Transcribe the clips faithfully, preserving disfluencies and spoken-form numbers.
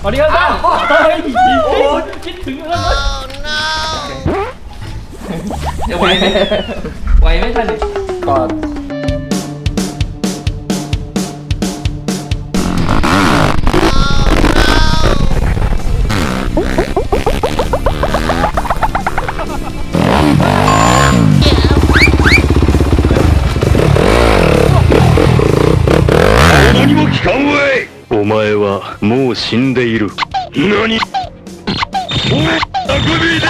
สวัสดีครับท่านเฮ้ยโอ้คิดถึงแล้วนะจะไหวไหมไหวไหมท่านก็何も聞かんわい。お前はもう死んでいる。何？お前あくびで。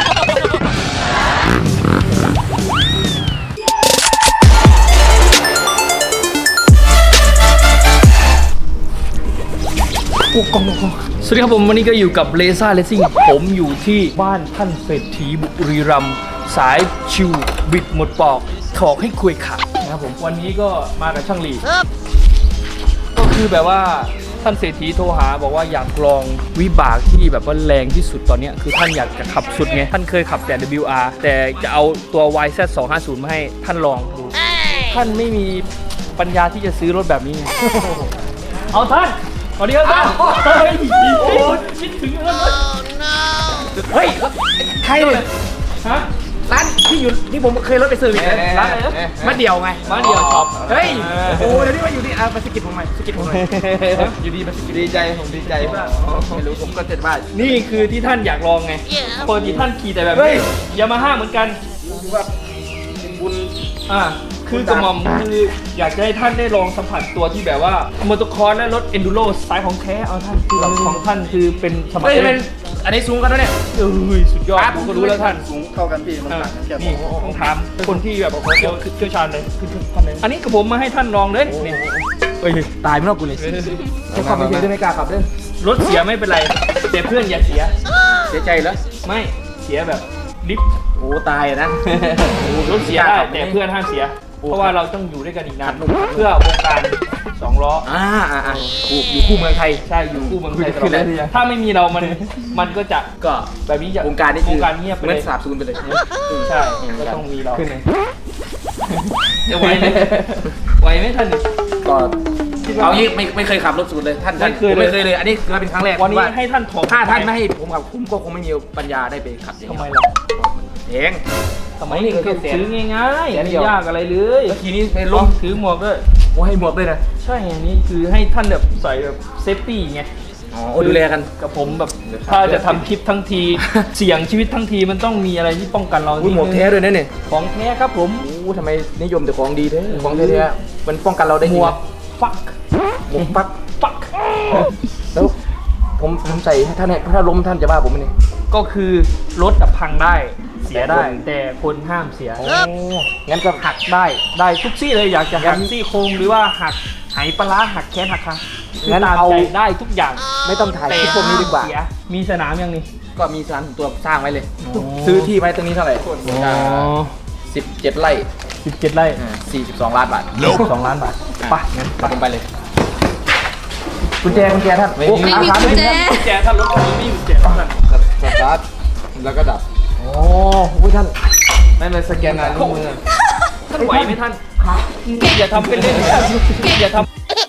โอ้กองกองสวัสดีครับผมวันนี้ก็อยู่กับเลซ่าเลสซิ่งผมอยู่ที่บ้านท่านเศรษฐีบุรีรัมย์สายชิวบิดหมดปอกถอกให้คุยขาดนะครับผมวันนี้ก็มากับช่างหลีก็คือแบบว่าท่านเศรษฐีโทรหาบอกว่าอยากลองวิบากที่แบบว่าแรงที่สุดตอนนี้คือท่านอยากจะขับสุดไงท่านเคยขับแต่ ดับเบิลยู อาร์ แต่จะเอาตัว วาย แซด สองห้าศูนย์มาให้ท่านลองดูท่านไม่มีปัญญาที่จะซื้อรถแบบนี้ไงเอาท่านสวัสดีครับท่านเฮ้ยโอ้คิดถึงแล้วนะเฮ้ยใครเนี่ยฮะร้านที่อยู่ที่ผมเคยรถไปซื้อเนี่ยร้านอะไรนะมาเดี่ยวไงมาเดี่ยวช็อปเฮ้ยโอ้เดี๋ยวนี้มาอยู่ที่อ่ะมาสกิดผมหน่อยสกิดผมหน่อยอยู่ดีมาสกิดดีใจผมดีใจมากไม่รู้ผมก็เจ็ดบ้านนี่คือที่ท่านอยากลองไงปกติท่านขี่แต่แบบนี้ยามาฮ่าเหมือนกันแบบบุญอ่าคือกระหม่อมคืออยากจะให้ท่านได้ลองสัมผัสตัวที่แบบว่ามอเตอร์คอร์สและรถเอนดูโรสายของแท้เอาท่านคือแบบของท่านคือเป็นสมัยเป็นอันนี้สูงกันแล้วเนี่ยเอ้ยสุดยอดผมก็รู้แล้วท่านสูงเข้ากันพี่มันต่างกันแค่นี่ต้องถามคนที่แบบเชี่ยวเชี่ยวชาญเลยอันนี้กับผมมาให้ท่านลองเลยนี่เฮ้ยตายไม่รอดกูเลยให้ขับไปเฉยได้ไม่กล้าขับเล่นรถเสียไม่เป็นไรแต่เพื่อนอย่าเสียเสียใจเหรอไม่เสียแบบลิฟต์โอ้ตายนะรถเสียได้แต่เพื่อนห้ามเสียเพราะว่าเราต้องอยู่ด้วยกันอีกนานเพื่อวงการสองล้ออ่าอ่าอ่าอยู่คู่เมืองไทยใช่อยู่คู่เมืองไทยตลอดถ้าไม่มีเรามันมันก็จะก็แบบนี้จะวงการนี้วงการเงียบไปเลยสาบสูญไปเลยใช่ก็ต้องมีเราจะไหวไหมไหวไหมท่านก็เอางี้ไม่ไม่เคยขับรถสูตรเลยท่านไม่เคยไม่เคยเลยอันนี้คือเป็นครั้งแรกวันนี้ให้ท่านถอดถ้าท่านไม่ให้ผมขับผมก็คงไม่มีปัญญาได้ไปขับทำไมล่ะเองทำไมนี่ก็ซื้อง่ายๆไม่ยากอะไรเลยทีนี้ไปล้มถือหมวกด้วยโอ้ให้หมวกด้วยนะใช่อันนี้คือให้ท่านแบบใส่แบบเซฟตี้ไงอ๋อดูแลกันกับผมแบบถ้าจะทำคลิปทั้งทีเสี่ยงชีวิตทั้งทีมันต้องมีอะไรที่ป้องกันเราหมวกแท้ด้วยนะเนี่ยของแท้ครับผมโอ้ทำไมนิยมแต่ของดีแท้ของแท้ๆมันป้องกันเราได้หมวกฟักหมวกฟักฟักแล้วผมผมใส่ท่านเนี่ยถ้าล้มท่านจะว่าผมไหมเนี่ยก็คือรถดับพังได้เสียได้แต่คนห้ามเสียงั้นก็หักได้ได้ทุกซี่เลยอยากจะหักซี่โครงหรือว่าหักไหปลาหักแขนหักขางั้นเอาได้ทุกอย่างไม่ต้องถ่ายคลิปพวกนี้ดีกว่ามีสนามยังนี่ก็มีสนามตัวสร้างไว้เลยซื้อที่ไว้ตรงนี้เท่าไหร่สิบเจ็ดไร่สิบเจ็ดไร่สี่สิบสองล้านบาทสองล้านบาทไปงั้นไปไปเลยกุญแจกุญแจท่านไม่มีกุญแจกุญแจท่านรถคันนี้ไม่มีกุญแจท่านสตาร์ทแล้วก็ดับโอ้โหท่านไม่เป็นสแกนลายนิ้วมือท่านไหวไหมท่านอย่าทำเป็นเล่นอย่าทำ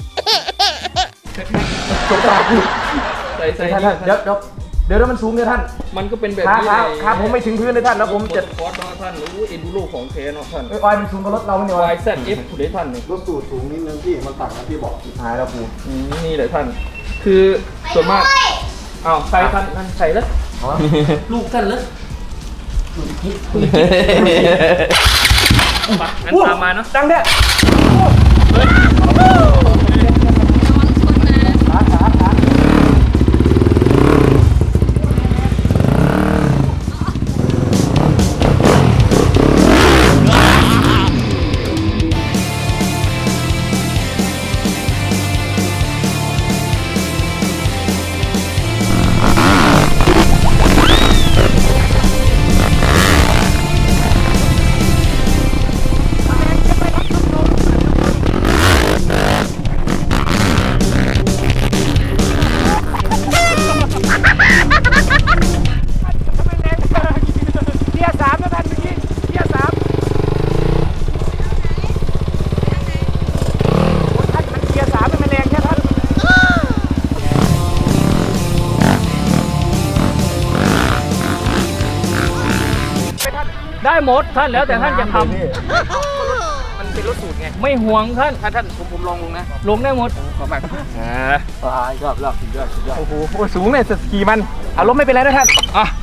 จบปากใส่ใส่ท่านเดี๋ยวเดี๋ยวเดี๋ยวมันสูงเลยท่านมันก็เป็นแบบนี้ขาผมไม่ถึงพื้นเลยท่านแล้วผมจะคอร์สท่านรู้เอ็นดูโรของเทนเนาะท่านไอ้ออยมันสูงกว่ารถเราเนี่ยวาย แซด เอฟ ได้ท่านนี่รถสูตรสูงนิดนึงพี่มันต่างกันที่บอกหายแล้วปูนี่เลยท่านคือส่วนมากอ้าวใส่ท่านท่านใส่แล้วลูกท่านเลยมางั้นตามมาเนาะดังเด้อได้หมดท่านแล้วแต่ท่านจะทมันเป็นรถสูตรไงำไม่ห่วงท่านถ้าท่านผมผมลองลงนะลงได้หมดขอมากอ่าตายรอบรอบสุดยอดสุดยอดโอ้โหสูงเลยสกีมันอารมณ์ไม่เป็นไรนะท่านอ่ะ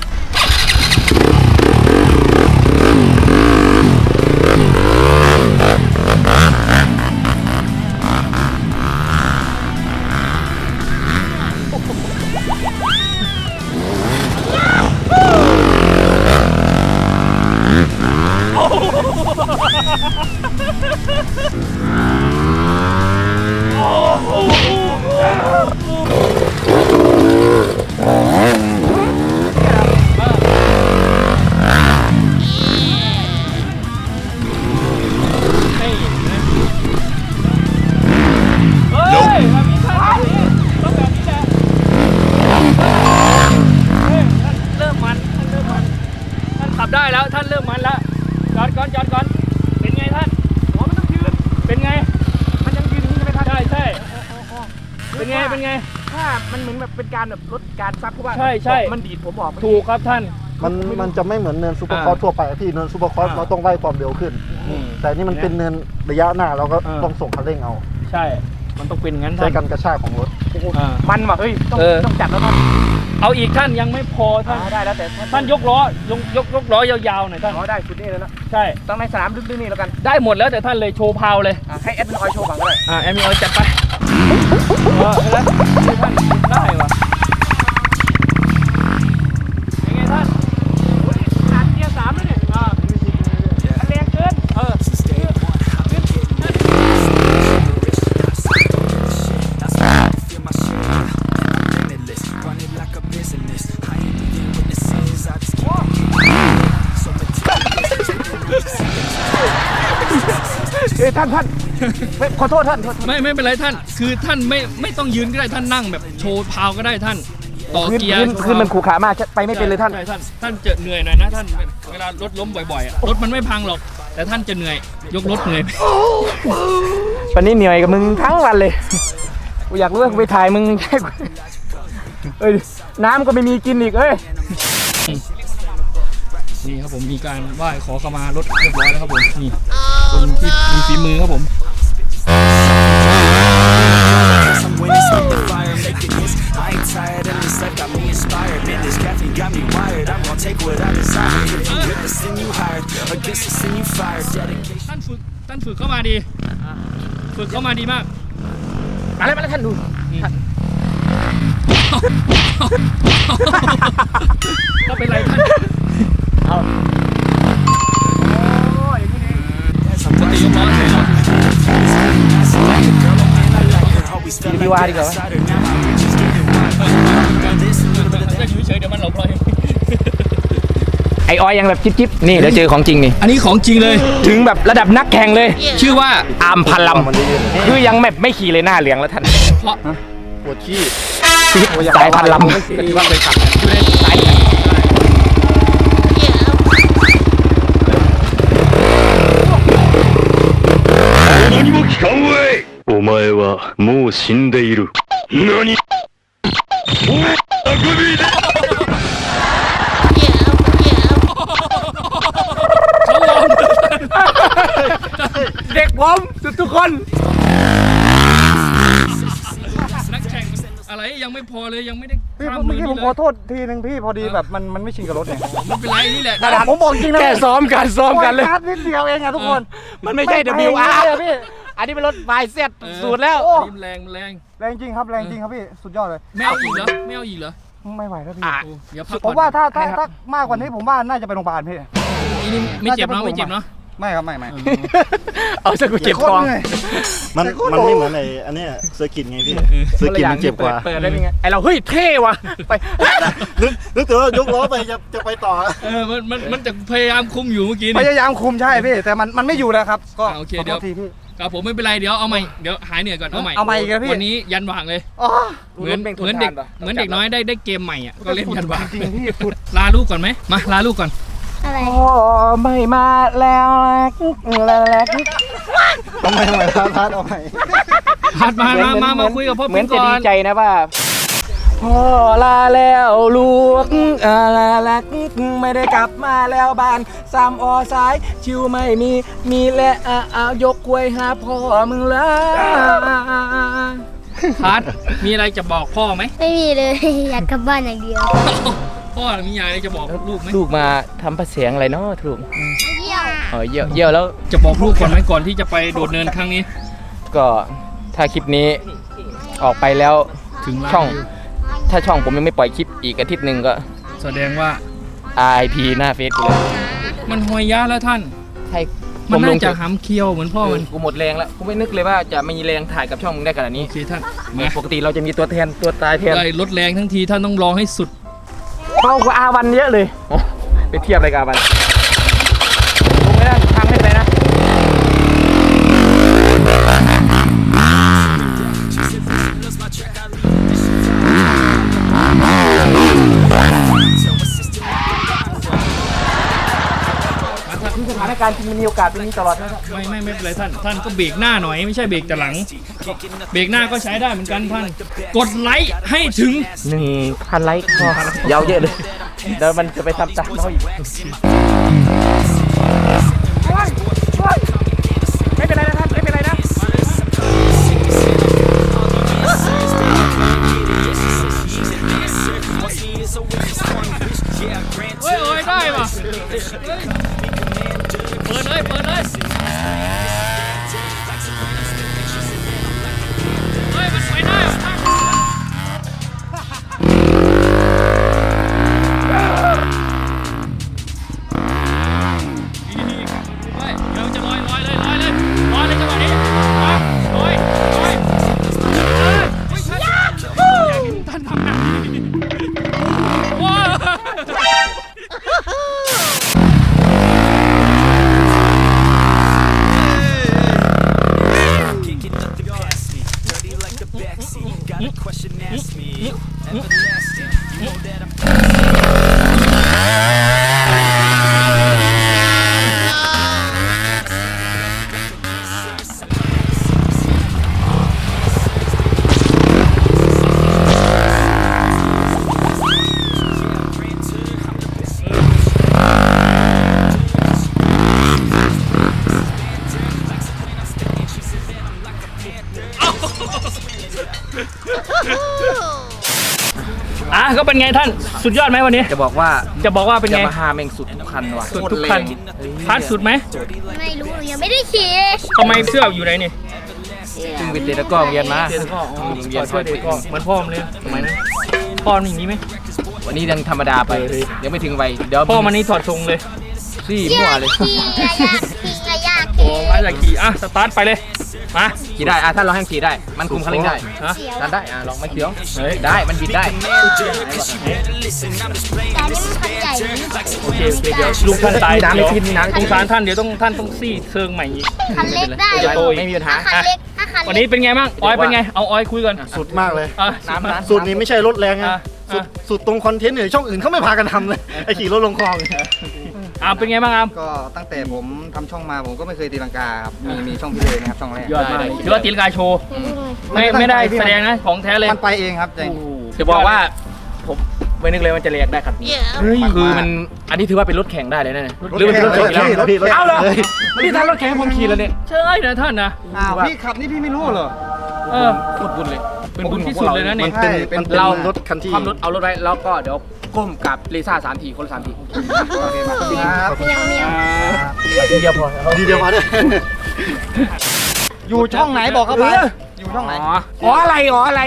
เฮ้ยแบบนี้ท่านแบบนี้ต้องแบบนี้แหละเฮ้ยท่านเริ่มมันท่านเริ่มมันท่านขับได้แล้วท่านเริ่มมันแล้วจอดก่อนจอดก่อนเป็นไงท่านหัวมันต้องยืนเป็นไงมันยังยืนอย่างนี้ใช่ไหมท่านใช่ใช่เป็นไงเป็นไงถ้ามันเหมือนแบบเป็นการแบบลดการซับเพราะว่าใช่ใช่มันดีดผมออกถูกครับท่านมันมันจะไม่เหมือนเนินซูเปอร์คอร์สทั่วไปอะพี่เนินซูเปอร์คอร์สอ่าเราต้องไล่ความเร็วขึ้นอืมแต่นี่มันเป็นเนินระยะหน้าเราก็อ่าต้องส่งคันเร่งเอาใช่ มันต้องเป็นงั้นใช้ท่านการกระชากของรถอ่ามันว่ะเฮ้ยต้องเออต้องจัดแล้วท่านเอาอีกท่านยังไม่พอท่านอ่าได้แล้วแต่ท่านยกล้อยกยกยกล้อยาวๆหน่อยท่านอ๋อได้ชุดนี้เลยนะใช่ต้องในสนามลึกๆนี่แล้วกันได้หมดแล้วแต่ท่านเลยโชว์พาวเลยอ่ะให้แอดมินออยโชว์ก่อนก็ได้อ่าแอมมีออยจัดไปเออแล้วให้ท่านได้วะยังไงท่านโอ้ยขาดเกียร์สามแล้วเนี่ยอ่ามันแรงเกินเออขึ้นเอ้ยท่านท่านไม่ขอโทษท่านโทษไม่ไม่เป็นไรท่าน คือท่านไม่ไม่ต้องยืนก็ได้ท่านนั่งแบบโชว์พาวก็ได้ท่าน ต่อพื้นเกียร์พื้นพื้นมันขู่ขามากไปไม่เป็นเลยท่านใช่ท่านท่านจะเหนื่อยหน่อยนะท่านเวลารถล้มบ่อยๆอะรถมันไม่พังหรอก แต่ท่านจะเหนื่อยยกรถเหนื่อยวันนี้เหนื่อยกับมึงทั้งวันเลย กูอยากรู้ว่ากูไปถ่ายมึงแค่กูเอ้ยน้ำก็ไม่มีกินอีกเอ้ยนี่ครับผมมีการไหว้ขอขมารถเรียบร้อยแล้วครับผมนี่คนที่มีฝีมือครับผม Some winners with the fire, making hits. I ain't tired, and this life got me inspired. Man, this caffeine got me wired. I'm gonna take what I desire. If you with the sin you hired, against the sin you fired. Dedication. ท่านฝึกท่านฝึกเข้ามาดีฝึกเข้ามาดีมากมาแล้วมาแล้วท่านดูก็เป็นไรท่าน As I'm rising, always felt like an outsider. Now my reach is getting wider. This a little bit of จะอยู่เฉยๆเดี๋ยวมันหลบเราเองไอออยยังแบบจิ๊บๆนี่เดี๋ยวเจอของจริงนี่อันนี้ของจริงเลยถึงแบบระดับนักแข่งเลยชื่อว่าอาร์มพันลำคือยังแบบไม่ขี่เลยหน้าเหลืองแล้วท่านเพราะปวดขี้สายพันลำที่ว่าเคยขับอยู่ในสาย何も聞かんわい。お前はもう死んでいる。何お前あくびだเด็กผมทุกๆคนนักแข่งอะไรยังไม่พอเลยยังไม่ได้พี่ข้ามเมื่มืออกี้ผนี่มเลขอย โทษทีนึงพี่พอดีแบบมันมันไม่ชินกับรถไงไม่เป็นไรนี่แหละผมบอกจริงนะแค่ซ้อมกันซ้อมกันเลยโยพาดนิดเดียวเองอะทุกคนมันไม่ใช่ไปดับเบิลยู อาร์เลยพี่อันนี้เป็นรถไฟเซ็ตเออสูตรแล้วโอ้นี่มันแรงมันแรงแรงจริงครับแรงจริงครับพี่สุดยอดเลยไม่เอาอีกเหรอไม่เอาอีกเหรอไม่ไหวแล้วพี่อ่ะโอ้เดี๋ยวพักผก่อนมว่าถ้าถ้าถ้ามากกว่านี้ผมว่าน่าจะไปโรงพยาบาลพี่อีนี่ไม่เจ็บเนาะไม่เจ็บเนาะไม่ครับไม่ไม่เอาซะกูเจ็บโคคตอรเหนื่อยมันแต่ก็มันไม่โดนเหมือนไอ้อันเนี้ยเซอร์กิตไงพี่เซอร์กิตมันเจ็บกว่าเปิดได้ยังไงไอเราเฮ้ยเท่ว่ะไปนึกนึกถึงว่ายกล้อไปจะจะไปต่อเออมันมันมันจะพยายามคุมอยู่เมื่อกี้พนี่ยายามคุมใช่พี่แต่มันมันไม่อยู่แล้วครับ ก็อ่าโอเคขอเดี๋ยวโทษทีพี่ครับผมไม่เป็นไรเดี๋ยวเอาใหม่เดี๋ยวหายเหนื่อยก่อนเอาใหม่เอาใหม่อีกแล้วพี่วันนี้ยันวางเลยอ๋อเหมือนเหมือนเด็กเหมือนเด็กน้อยได้ได้เกมใหม่อ่ะก็เล่นยันวางจริงๆพี่สุดลาลูกก่อนไหมมาลาลูกก่อนอะไรโอ้ไม่มาแล้วแล้วแล้วทำไมทำไมพาร์ทเอาใหม่พัดมามามามาคุยกับพ่อเหมืปิ๊อนงจะก่อดีนใจนะว่าพ่อลาแล้วลูกลาลักไม่ได้กลับมาแล้วบ้านสามอสายชิวไม่มีมีและอ่ะเอายกควยหาพ่อมึงละทัดมีอะไรจะบอกพ่อไหมไม่มีเลย อยากกลับบ้านอย่างเดียวพ่อมีอะไรจะบอกลูกไหมลูกมาทำประเสียงอะไรเนาะลูกเที่ยวเออเยี่ยวเยี่ยวแล้วจะบอกลูกก่อนไหมก่อนที่จะไปโดดเนินครั้งนี้ก็ถ้าคลิปนี้ออกไปแล้วถึงล้านช่องวิวถ้าช่องผมยังไม่ปล่อยคลิปอีกอาทิตย์หนึ่งก็แสดงว่าอาร์ ไอ พี หน้าเฟซกูเลยมันหวยยะแล้วท่านให้ผมันมลน่าง จะหำเคี้ยวเหมือนพ่อมันกูหมดแรงแล้วกูไม่นึกเลยว่าจะมีแรงถ่ายกับช่องมึงได้ขนาดนี้โอเคท่านปกติเราจะมีตัวแทนตัวตายแทนได้ลดแรงทั้งทีท่านต้องลองให้สุดเบากว่าอาวันเยอะเลยโอ้ไปเทียบอะไรกับอาวันลงไม่ได้ทางไม่เป็นไรนะคือสถานการณ์จริงมันมีโอกาสเป็นอย่างนี้ตลอดนะครับไม่ไม่ไม่เป็นไรท่าน ท่านก็เบรกหน้าหน่อยไม่ใช่เบรกแต่หลัง เบรกหน้าก็ใช้ได้เหมือนกันท่าน กดไลค์ให้ถึงหนึ่งพันไลค์พอยาวเยอะเลยเดี๋ยวมันจะไปทำตามเขาอีกไม่เป็นไรนะท่านไม่เป็นไรนะเฮ้ยโอ้ยได้ป่ะเปิดเลยเปิดเลยเฮ้ยมันไปได้เหรอท่านนี่นี่เฮ้ยเดี๋ยวจะลอยลอยเลยลอยเลยลอยเลยจังหวะนี้มาลอยลอยเฮ้ยเฮ้ยท่านอยากเห็นท่านทำแบบนี้ว้าว Kicking nothing past me, dirty like the backseat. Got a question, ask me. Everlasting, you know that I'm. อ่ะก็เป็นไงท่านสุดยอดไหมวันนี้จะบอกว่าจะบอกว่าเป็นจะไงมาหาแม่งสุดทุกคันว่ะสุดทุกคันพาร์ทสุดไหมไม่รู้หนูยังไม่ได้ขี่ทำไมเสื้ออยู่ไหนนี่ซึ่งวิทย์เตะก็เรียนมาเสื้อก็อ๋อเสื้อเด็กก็เหมือนพ่อมันเลยสมัยนั้นพ่อมันอย่างนี้ไหมวันนี้ยังธรรมดาไปยังไม่ถึงวัยเดี๋ยวพ่อมันนี่ถอดทรงเลยซี่อมั่วยากเลยขี่อะอยากขี่อะอยากโอ้ขี่มาจากขี่อ่ะสตาร์ทไปเลยมาขี่ได้อ่ะถ้าเราให้ขี่ได้ มันคุมคันเร่งได้ฮะเสียวดันได้อ่ะลองไม่เขียวได้มันบิดได้แต่นี่มันคันใหญ่นะโอเคโอเคเดี๋ยวลุงท่านตายมีน้ำเดี๋ยวไม่กินมีน้ำสงสารท่านเดี๋ยวต้องท่านต้องซี่เซิงใหม่อีกคันเล็กได้จะโตอีกไม่มีปัญหาถ้าคันเล็กถ้าคันวันเล็นี้กเป็นไงบ้างออยเป็นไงเอาออยคุยก่อนสุดมากเลยอ่ะน้ำน้ำสุดนี้ไม่ใช่รถแรงนะอ่ะสุดอ่ะสุดตรงคอนเทนต์เนี่ยช่องอื่นเขาไม่พากันทำเลย ไอขี่รถลงคลองอามเป็นไงบ้างอามก็ตั้งแต่ผมทำช่องมาผมก็ไม่เคยตีลังกาครับ มีมีช่องพี่เลยนะครับช่องแรกยอดมากถือว่าตีลกาโชว์ไม่ไม่ได้แสดงนะของแท้เลยมันไปเองครับจริงจะบอกว่าผมไม่นึกเลยมันจะเรียกได้คันนี้คือมันอันนี้ถือว่าเป็นรถแข่งได้เลยนะเนี่ยหรือมันเป็นรถแข่งแล้วรถแข่งรถแข่งเอ้าเหรอนี่ทำรถแข่งให้ผมขี่แล้วเนี่ยใช่นะท่านนะอ้าวพี่ขับนี่พี่ไม่รู้เหรอเออโคตรบุญเลยเป็นบุญที่สุดเลยนะมัเนี่ยนเป็นใช่เป็นมันเป็นเรารถคันที่ความรถเอารถไว้แล้วก็เดี๋ยวก้มกับเลซ่าสามทีคนละสามทีโอเคมาครับเมียวเมียวทีเดียวพอดีเดียวมาด้วยอยู่ช่องไหนบอกเข้าไปอยู่ช่องไหนอ๋ออ๋ออะไรอ๋ออะไร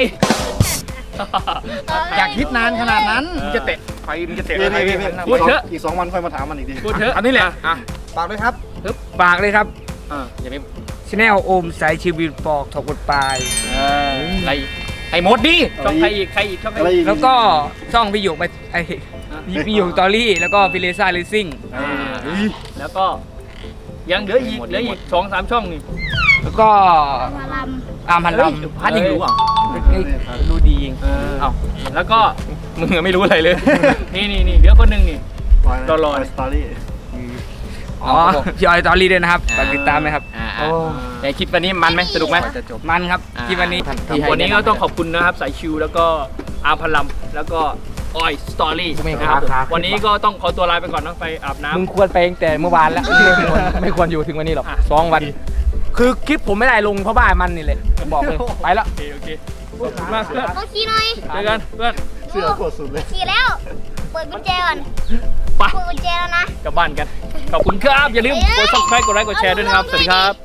อยากคิดนานขนาดนั้นมึงจะเตะไฟมึงจะเตะพี่อะไรพี่พี่พูดเถอะอีกสองวันค่อยมาถามมันอีกทีพูดเถอะอันนี้แหละอ่ะฝากด้วยครับฝากเลยครับอ่าอย่าไปชแนลโอมสายชีวิตปอกถกบทปลายอะไรไอ้หมดดิช่องใครอีกใครอีกช่องใครอะไรอีกอีกแล้วก็ช่องพี่หยกไปไอพี่หยกตอรี่แล้วก็ฟิเลซ่าเลซิ่งอ่าแล้วก็ยังเหลืออีกเหลืออีกสองสามช่องนี่แล้วก็มาลอาร์มพันลเฮ้ยำพัดยังรู้อ่ะรู้ดีจริงเอ้าแล้วก็มึงไม่รู้อะไรเลยนี่นี่นี่เหลือคนหนึ่งนี่ รอรอสตอรี่อ๋อพี่ออยตอรี่ด้วยนะครับฝากติดตามนะครับอ่าอ่าแต่คลิปวันนี้มันไหมสนุกไหมจะจบมันครับที่วันนี้ที่ให้วันนี้ก็ต้องขอบคุณนะครับสายชิวแล้วก็อาร์มพลัมแล้วก็ออยสตอรี่ไม่นะครับผมครับวันนี้ก็ต้องขอตัวลาไปก่อนนะไปอาบน้ำมึงควรไปตั้งแต่เมื่อวานแล้ว ไม่ควรไม่ควรอยู่ถึงวันนี้หรอกอ่ะสองวัน คือคลิปผมไม่ได้ลงเพราะบ้านมันนี่แหละบอกเลยไปแล้วโอเคโอเคขอบคุณมากเพื่อนโอเคหน่อยเจอกันเพื่อนเสือกดสุดเลยขี่แล้ว เปิดกุญแจก่อนไปเปิดกุญแจแล้วนะกลับบ้านกัน ขอบคุณครับ อย่าลืมกด subscribe กดไลค์กดแชร์ด้วยนะครับ สวัสดีครับ